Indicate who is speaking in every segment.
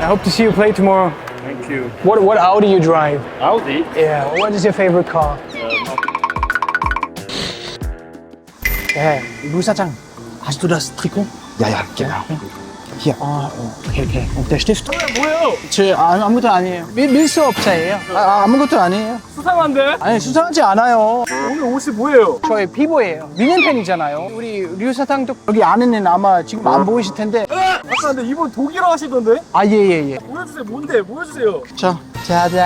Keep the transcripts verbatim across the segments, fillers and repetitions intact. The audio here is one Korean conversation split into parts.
Speaker 1: I hope to see you play tomorrow.
Speaker 2: Thank you.
Speaker 1: What what Audi you drive?
Speaker 2: Audi?
Speaker 1: Yeah. What is your favorite car? Yeah. 루 사장. Hast du das Trikot?
Speaker 3: Ja, ja, genau. Hier.
Speaker 1: 아, 오케이 오케이. 어, der Stift.
Speaker 2: 뭐예요?
Speaker 1: 저 아, 아무것도 아니에요. 밀, 밀수업자예요. 아, 아, 아무것도 아니에요.
Speaker 2: 수상한데?
Speaker 1: 아니 수상하지 않아요.
Speaker 2: 오늘 옷이 뭐예요?
Speaker 1: 저의 피부예요. 미넨 팬이잖아요. 우리 류 사장도 여기 안에는 아마 지금 안 보이실 텐데.
Speaker 2: 아까 근데 이번 독일어 하시던데?
Speaker 1: 아, 예, 예, 예.
Speaker 2: 보여주세요. 뭔데? 보여주세요.
Speaker 1: 자, 짜잔.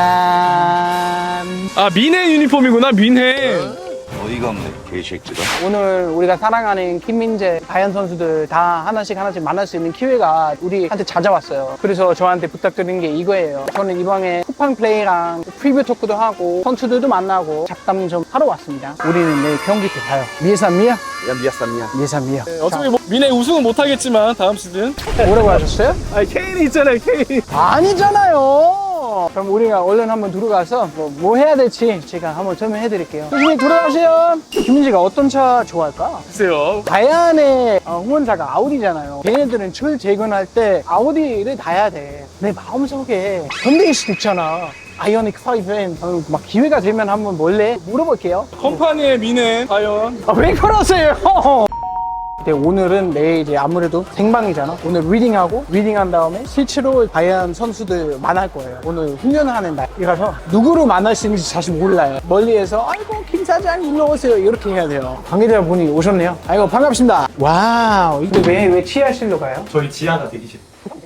Speaker 2: 아, 민해 유니폼이구나, 민해.
Speaker 3: 어이가 없네, 개새끼다.
Speaker 1: 오늘 우리가 사랑하는 김민재, 다현 선수들 다 하나씩 하나씩 만날 수 있는 기회가 우리한테 찾아왔어요. 그래서 저한테 부탁드린 게 이거예요. 저는 이번에 쿠팡 플레이랑 프리뷰 토크도 하고 선수들도 만나고 잡담 좀 하러 왔습니다. 우리는 내일 경기 때 봐요. 미에산 미야?
Speaker 3: 야, 미야쌈이야.
Speaker 1: 미에산 미야.
Speaker 2: 네, 어차피 뭐 민해 우승은 못하겠지만 다음 시즌.
Speaker 1: 뭐라고 하셨어요?
Speaker 2: 아, 케인이 있잖아요, 케인.
Speaker 1: 아니잖아요. 그럼 우리가 얼른 한번 들어가서 뭐, 뭐 해야 될지 제가 한번 설명해 드릴게요. 조심히 돌아가세요. 김민지가 어떤 차 좋아할까?
Speaker 2: 글쎄요.
Speaker 1: 다이안의 어, 후원사가 아우디잖아요. 걔네들은 철 재건할 때 아우디를 달아야 돼. 내 마음속에 현대일 수도 있잖아. 아이오닉 파이브엔 어, 막 기회가 되면 한번 몰래 물어볼게요.
Speaker 2: 컴파니의 민해, 과연.
Speaker 1: 아, 왜 그러세요? 근데 오늘은 내일 이제 아무래도 생방이잖아. 오늘 리딩하고 리딩한 다음에 실제로 다이안 선수들 만날 거예요. 오늘 훈련하는 날이라서 누구를 만날 수 있는지 사실 몰라요. 멀리에서 아이고 김 사장 일로 오세요 이렇게 해야 돼요. 관계자분이 오셨네요. 아이고 반갑습니다. 와우. 근데 왜, 왜 치아실로 가요?
Speaker 2: 저희 지하가 대기실.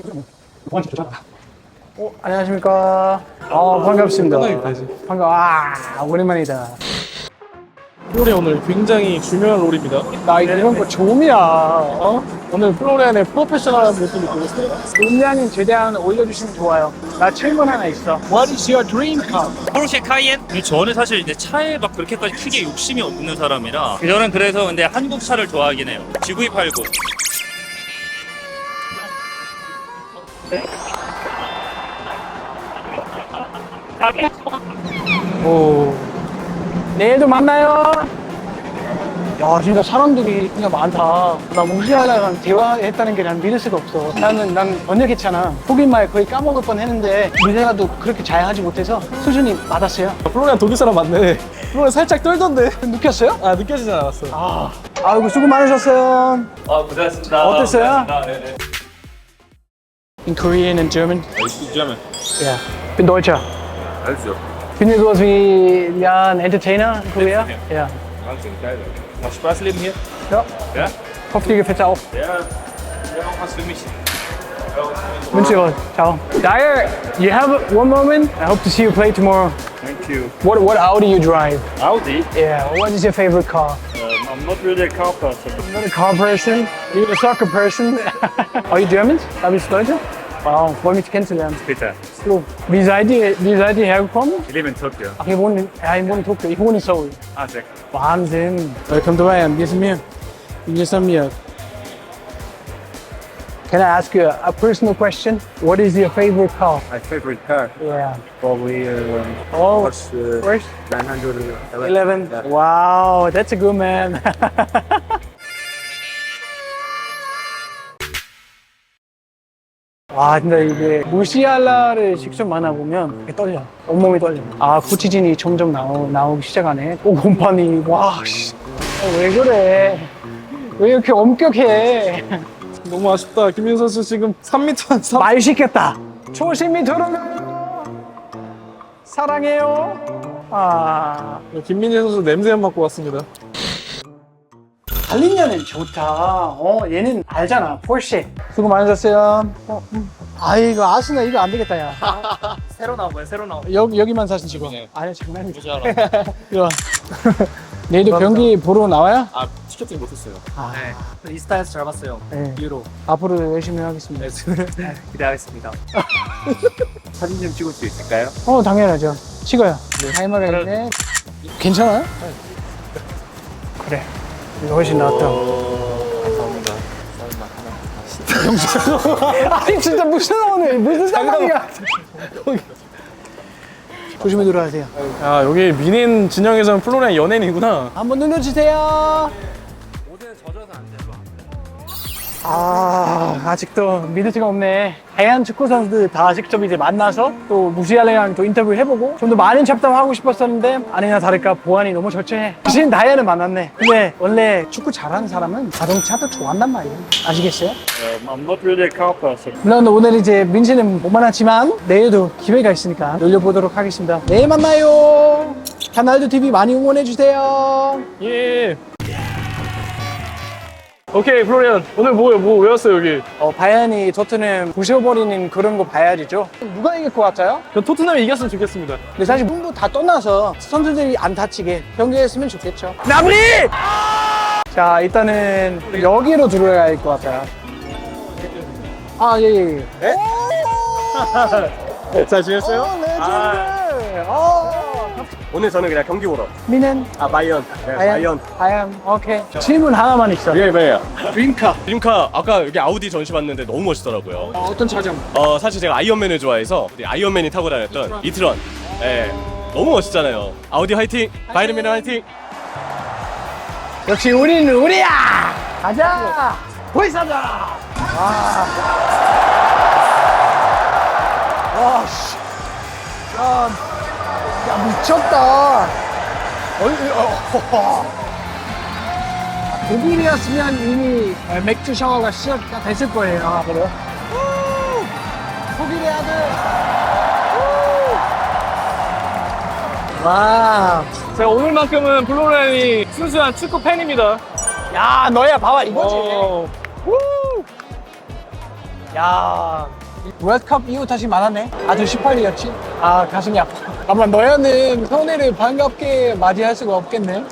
Speaker 1: 어, 안녕하십니까. 어, 반갑습니다.
Speaker 2: 편하게
Speaker 1: 반가. 와, 오랜만이다.
Speaker 2: 롤이 오늘 굉장히 중요한 롤입니다.
Speaker 1: 나 이런 거 처음이야. 어?
Speaker 2: 오늘 플로렌의 프로페셔널한 모습을 보였어요.
Speaker 1: 음량은 최대한 올려주시면 좋아요. 나 질문 하나 있어. What is your dream car?
Speaker 4: 포르쉐 카이엔? 저는 사실 이제 차에 막 그렇게까지 크게 욕심이 없는 사람이라 저는 그래서 근데 한국 차를 좋아하긴 해요. 지브이 팔십.
Speaker 1: 오. 내일도 만나요. 야, 진짜 사람들이 진짜 많다. 나 몽시아랑 대화했다는 게 난 믿을 수가 없어. 나는, 난 번역했잖아. 독일말 거의 까먹을 뻔 했는데, 미네가도 그렇게 잘 하지 못해서 수준이 맞았어요.
Speaker 2: 플로렌 독일 사람 맞네. 플로렌 살짝 떨던데.
Speaker 1: 느꼈어요?
Speaker 2: 아, 느껴지진 않았어.
Speaker 1: 아, 아이고, 수고 많으셨어요.
Speaker 4: 아, 고생하셨습니다.
Speaker 1: 어땠어요?
Speaker 4: 고생하셨습니다. 네네.
Speaker 1: In Korean and German?
Speaker 2: German.
Speaker 1: Yeah. Bin Deutscher.
Speaker 2: Also,
Speaker 1: Bin ich sowas wie, ja, ein Entertainer in Korea? Ja.
Speaker 2: Wahnsinn, geil. Macht Spaß leben hier?
Speaker 1: Ja.
Speaker 2: Ja?
Speaker 1: Hoffe, dir gefällt's auch.
Speaker 4: Ja, ja, auch was für mich.
Speaker 1: Wünsche dir was. Ciao. Dyer, you have one moment? I hope to see you play tomorrow.
Speaker 2: Thank you.
Speaker 1: What what Audi you drive?
Speaker 2: Audi?
Speaker 1: Yeah. What is your favorite car?
Speaker 2: Um, I'm not really a car person.
Speaker 1: I'm not a car person. You're a soccer person. Are you German? Da bist du Deutsche? Wow, freue mich kennenzulernen.
Speaker 2: Bitte.
Speaker 1: So, wie seid ihr, wie seid ihr hergekommen?
Speaker 2: Ich lebe in Tokio.
Speaker 1: Ach, ihr wohnt in, ja, ich wohne in Tokio. Ich wohne in Seoul.
Speaker 2: Ah, sehr cool.
Speaker 1: Wahnsinn. Welcome to Bayern. Wie ist mir? Wie ist mir? Can I ask you a personal question? What is your favorite car?
Speaker 5: My favorite car,
Speaker 1: Yeah.
Speaker 5: probably um,
Speaker 1: Oh,
Speaker 5: was uh,
Speaker 1: first
Speaker 5: nine hundred eleven.
Speaker 1: eleven.
Speaker 5: Yeah.
Speaker 1: Wow, that's a good man. 와, 진짜 이게 무시알라를 직접 만나보면 이렇게 떨려. 온몸이 떨려. 아, 구치진이 점점 나오, 나오기 시작하네. 오, 곰팡이. 와, 씨. 아, 왜 그래? 왜 이렇게 엄격해?
Speaker 2: 너무 아쉽다. 김민 선수 지금 삼 미터 한 삼.
Speaker 1: 말 시켰다. 조심히 들어가요. 사랑해요. 아,
Speaker 2: 김민재 선수 냄새 안 맡고 왔습니다.
Speaker 1: 달린 년은 좋다. 어, 얘는 알잖아. 포르쉐. 수고 많으셨어요. 어, 음. 아, 이거 아스나 이거 안 되겠다, 야.
Speaker 4: 새로 나온 거예요, 새로 나온 거.
Speaker 1: 여기, 여기만 사진 찍어.
Speaker 4: 네.
Speaker 1: 아니, 장난이지.
Speaker 4: 뭐지 알아?
Speaker 1: 이리 와. 내일도 경기 보러 나와요?
Speaker 2: 아, 티켓팅 못했어요.
Speaker 1: 아,
Speaker 4: 네. 인스타에서 잘 봤어요.
Speaker 1: 네.
Speaker 4: 이후로
Speaker 1: 앞으로 열심히 하겠습니다.
Speaker 4: 기대하겠습니다.
Speaker 5: 사진 좀 찍을 수 있을까요?
Speaker 1: 어, 당연하죠. 찍어요. 타이머가 있네. 괜찮아요? 그래. 이거 훨씬 낫다.
Speaker 5: 감사합니다.
Speaker 1: 아니, 진짜 무슨 오늘 무슨 상황이야? 조심히 들어가세요.
Speaker 2: 아, 여기 민인 진영에서는 플로렌 연예인이구나.
Speaker 1: 한번 눌러주세요.
Speaker 4: 모델 젖어서 안 돼요.
Speaker 1: 아, 아직도 믿을 수가 없네. 다양한 축구 선수들 다 직접 이제 만나서 또 무시알레랑 또 인터뷰 해보고 좀 더 많은 잡담하고 싶었었는데 아니나 다를까 보안이 너무 절제해. 대신 다이아는 만났네. 근데 원래 축구 잘하는 사람은 자동차도 좋아한단 말이에요. 아시겠어요?
Speaker 4: Um, I'm not really a car person.
Speaker 1: 물론 오늘 이제 민지는 못 만났지만 내일도 기회가 있으니까 놀려보도록 하겠습니다. 내일 만나요. 카날도 티비 많이 응원해주세요.
Speaker 2: 예. 오케이, 플로리안. 오늘 뭐예요? 뭐 외웠어요, 여기?
Speaker 1: 어, 바이언이 토트넘 부셔버리는 그런 거 봐야죠. 누가 이길 것 같아요?
Speaker 2: 저 토트넘이 이겼으면 좋겠습니다.
Speaker 1: 근데 사실 문부 다 떠나서 선수들이 안 다치게 경기했으면 좋겠죠. 나브리! 자, 일단은 여기로 들어가야 할 것 같아요. 아, 예, 예. 예.
Speaker 2: 잘 지냈어요?
Speaker 1: 어, 레전드! 어.
Speaker 5: 오늘 저는 그냥 경기 보러.
Speaker 1: 미는?
Speaker 5: 아, 바이언. 네, 바이언.
Speaker 1: 바이언. 오케이. 질문 하나만 있어.
Speaker 5: 예, 뭐예요?
Speaker 1: 드림카.
Speaker 6: 드림카 아까 여기 아우디 전시 봤는데 너무 멋있더라고요.
Speaker 1: 어, 어떤 차량?
Speaker 6: 어 사실 제가 아이언맨을 좋아해서 우리 아이언맨이 타고 다녔던 이트런. 예, 너무 멋있잖아요. 아우디 화이팅! 바이르맨 화이팅!
Speaker 1: 역시 우리는 우리야! 가자! 보이사자! 와. 와, 씨. 야, 야 미쳤다. 어이, 어, 어. 독일이었으면 이미 맥주 샤워가 시작가 됐을 거예요. 아, 그래요? 우! 독일의 아들! 우! 와.
Speaker 2: 제가 오늘만큼은 플로리안이 순수한 축구 팬입니다.
Speaker 1: 야, 너야, 봐봐, 이거지.
Speaker 2: 어,
Speaker 1: 우! 야, 월드컵 이후 다시 만났네. 아주 십팔 일이었지. 아, 가슴이 아파. 아마 너야는 손해를 반갑게 맞이할 수가 없겠네.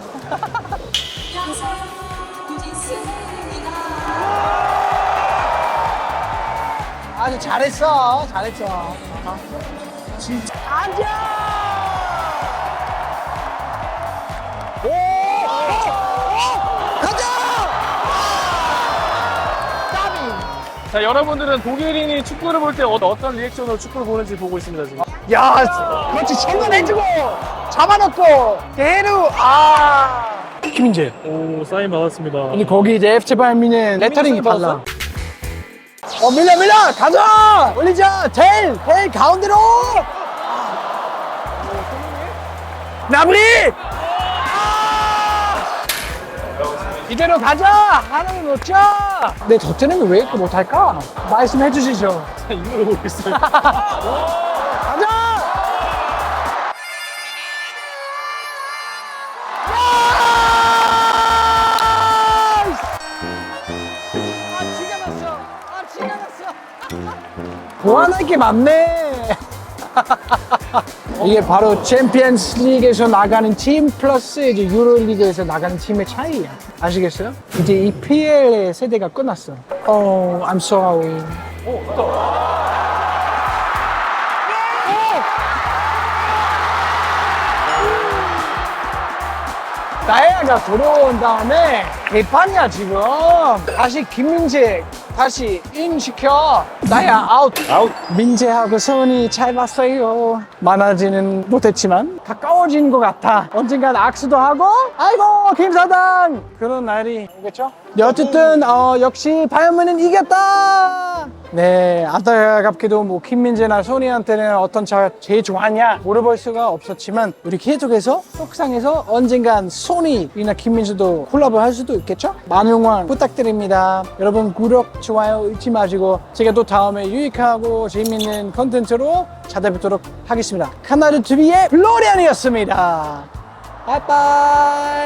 Speaker 1: 아주 잘했어, 잘했어. 어. 진짜 앉아. 오, 오! 가자. 까비.
Speaker 2: 자, 여러분들은 독일인이 축구를 볼 때 어떤 리액션으로 축구를 보는지 보고 있습니다, 지금.
Speaker 1: 야, 그렇지. 챙겨내주고 잡아놓고 대루. 아, 김민재.
Speaker 2: 오, 사인 받았습니다.
Speaker 1: 근데 거기 이제 에프씨 바이에른뮌은 레터링이
Speaker 2: 받았어?
Speaker 1: 달라. 어, 밀려 밀려 가자. 올리자. 델, 델 가운데로. 나브리. 이대로 가자. 하나는 놓자. 내 덧대는 왜 이렇게 못할까? 말씀해 주시죠.
Speaker 2: 이걸 보고 있어요.
Speaker 1: 가자. 아, 지가 났어. 아, 지가 났어. 보완할 게 많네. 이게 바로 챔피언스 리그에서 나가는 팀 플러스 이제 유로리그에서 나가는 팀의 차이야. 아시겠어요? 이제 이 피엘의 세대가 끝났어. Oh, I'm sorry. 나야가 들어온 다음에 개판이야 지금. 다시 김민재 다시 인 시켜. 나야 아웃. 아웃. 민재하고 손이 잘 봤어요. 많아지는 못했지만 가까워진 것 같아. 언젠간 악수도 하고 아이고 김사장 그런 날이 오겠죠. 네, 어쨌든 어, 역시 바이에른뮌은 이겼다. 네, 안타깝게도 뭐 김민재나 소니한테는 어떤 차가 제일 좋아하냐 물어볼 수가 없었지만 우리 계속해서 속상해서 언젠간 소니나 김민재도 콜라보 할 수도 있겠죠? 많은 응원 부탁드립니다. 여러분 구독, 좋아요 잊지 마시고 제가 또 다음에 유익하고 재밌는 컨텐츠로 찾아뵙도록 하겠습니다. 카나르 티비의 플로리안이었습니다. 바이바이.